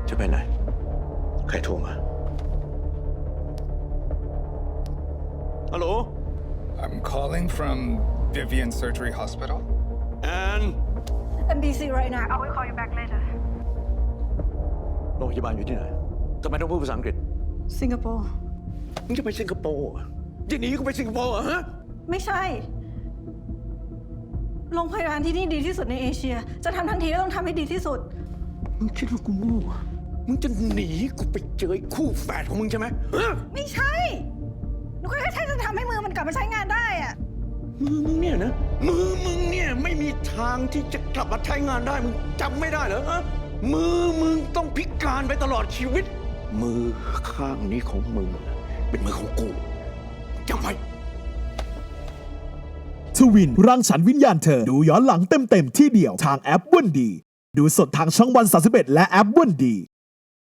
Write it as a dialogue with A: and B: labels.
A: จะไปไหนใครโทรมาฮัลโหล
B: I'm calling from Vivian Surgery Hospital.
A: and
C: I'm busy right now. I will call you back later.
A: โรงพยาบาลอยู่ที่ไหนทำไมต้องพูดภาษาอังกฤษ
C: Singapore
A: มึงจะไปสิงคโปร์เหรอจะหนีกูไปสิงคโปร์เหรอฮะ
C: ไม่ใช่ โรงพยาบาลที่นี่ดีที่สุดในเอเชีย จะทำทันทีก็ต้องทำให้ดีที่สุด
A: มึงคิดว่ากูโง่เหรอมึงจะหนีกูไปเจอไอ้คู่แฝดของมึงใช่ไหมฮะ
C: ไม่ใช่หนูก็แค่จะทำให้มือมันกลับมาใช้งานได้อะ
A: มือมึงเนี่ยนะมือมึงเนี่ยไม่มีทางที่จะกลับมาใช้งานได้มึงจำไม่ได้เหรอฮะมือมึงต้องพิการไปตลอดชีวิต มือข้างนี้ของมึงเป็นมือของกูจำไว้
D: ทวินรังสรรค์วิญญาณเธอดูย้อนหลังเต็มๆที่เดียวทางแอปวันดีดูสดทางช่องวัน31และแอปวันดี